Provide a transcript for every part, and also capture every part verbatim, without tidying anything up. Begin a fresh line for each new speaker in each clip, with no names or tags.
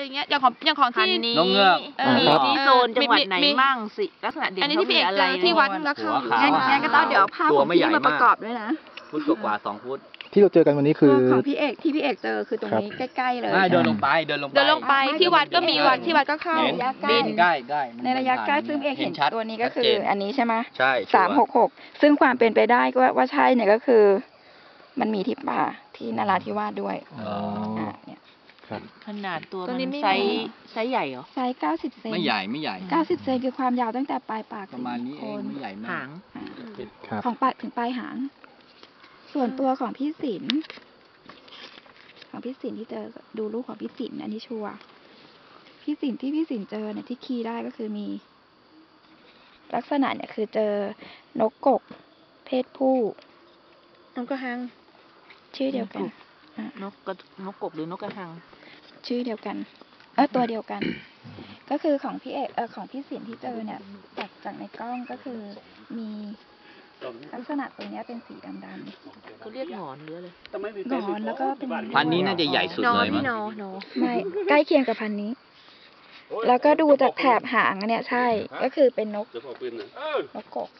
อย่างเงี้ยอย่างของอย่างของที่
นกเงือก
มีที่โซนจังหวัดไหนมั่งสิลักษณะเด่นเขามีอะไร
ที่วัดแล้วเข้า
งั้นงั้นก็ต้องเดี๋ยวภาพของพี่มาประกอบด้วยนะ
ฟุตกว่าสองฟุต
ที่เราเจอกันวันนี้คือ
ของพี่เอกที่พี่เอกเจอคือตรงนี้ใกล้ๆเลย
เดินลงไปเดินลงไป
เดินลงไปที่วัดก็มีวัดที่วัดก็เข้า
ระยะใกล้
ใกล้ใกล้
ในระยะใกล้ซึ่งเอกเห็นตัวนี้ก็คืออันนี้ใช่ไหม
ใช่
สามหกหกซึ่งความเป็นไปได้ก็ว่าใช่เนี่ยก็คือ มันมีที่ป่าที่นราธิวาสด้วยอ๋อเนี่ย
ขนาดตัวมันไซส์ไซส์ใหญ่เหรอ
ไซส์เก้าสิบเซน
ไม่ใหญ่ไม่ใหญ่
เก้าสิบเซนคือความยาวตั้งแต่ปลายปาก
ประมาณนี้เองไม่ใหญ่มาก
หาง
ของปลายถึงปลายหางส่วนตัวของพี่ศิลป์ของพี่ศิลป์ที่เจอดูรูปของพี่ศิลป์อันนี้ชัวร์พี่ศิลป์ที่พี่ศิลป์เจอเนี่ยที่คีย์ได้ก็คือมี ลักษณะเนี่ยคือเจอนกกกเพศผู้
นกกระหัง
ชื่อเดียวกัน
นกกระนกกบหรือนกกระหัง
ชื่อเดียวกันเออตัวเดียวกัน ก็คือของพี่เอกเออของพี่ศิลป์ที่เจอเนี่ยจากจากในกล้องก็คือมีลักษณะตัวนี้เป็นสีดำๆ
เขาเรียกหงอนหรืออะไร
หงอนแล้วก็เป็น
พันนี้น่าจะใหญ่สุดเลยมั้ง
ไม่ใกล้เคียงกับพันนี้แล้วก็ดูจากแถบหางเนี่ยใช่ก็คือเป็นนกนกกก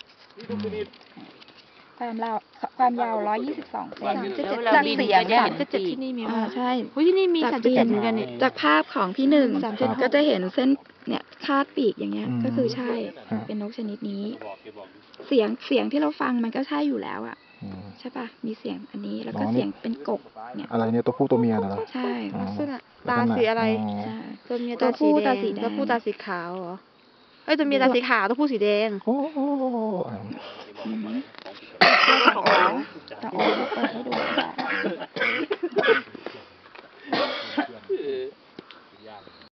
ความยาวความยาวร้อยยี่สิบสองเซนจากเสียงสามจุดเจ็ดที่นี่มีอ่าใช่
ที่นี่มีสามจุดเจ็ดเหมือนกันนี่
จากภาพของพี่หนึ่งก็จะเห็นเส้นเนี่ยคาดปีกอย่างเงี้ยก็คือใช่เป็นนกชนิดนี้เสียงเสียงที่เราฟังมันก็ใช่อยู่แล้วอ่ะใช่ป่ะมีเสียงอันนี้แล้วก็เสียงเป็นกกเนี่ย
อะไรเนี่ยตัวผู้ตัวเมียเหรอ
ใช่
ลักษณะตาสีอะไรตัวเมียตาสีแดงตัวผู้ตาสีขาวเหรอเอ้ยตัวเมียตาสีขาวตัวผู้สีแดง
โอ้โห
ต้องเอาเปิดให้ดู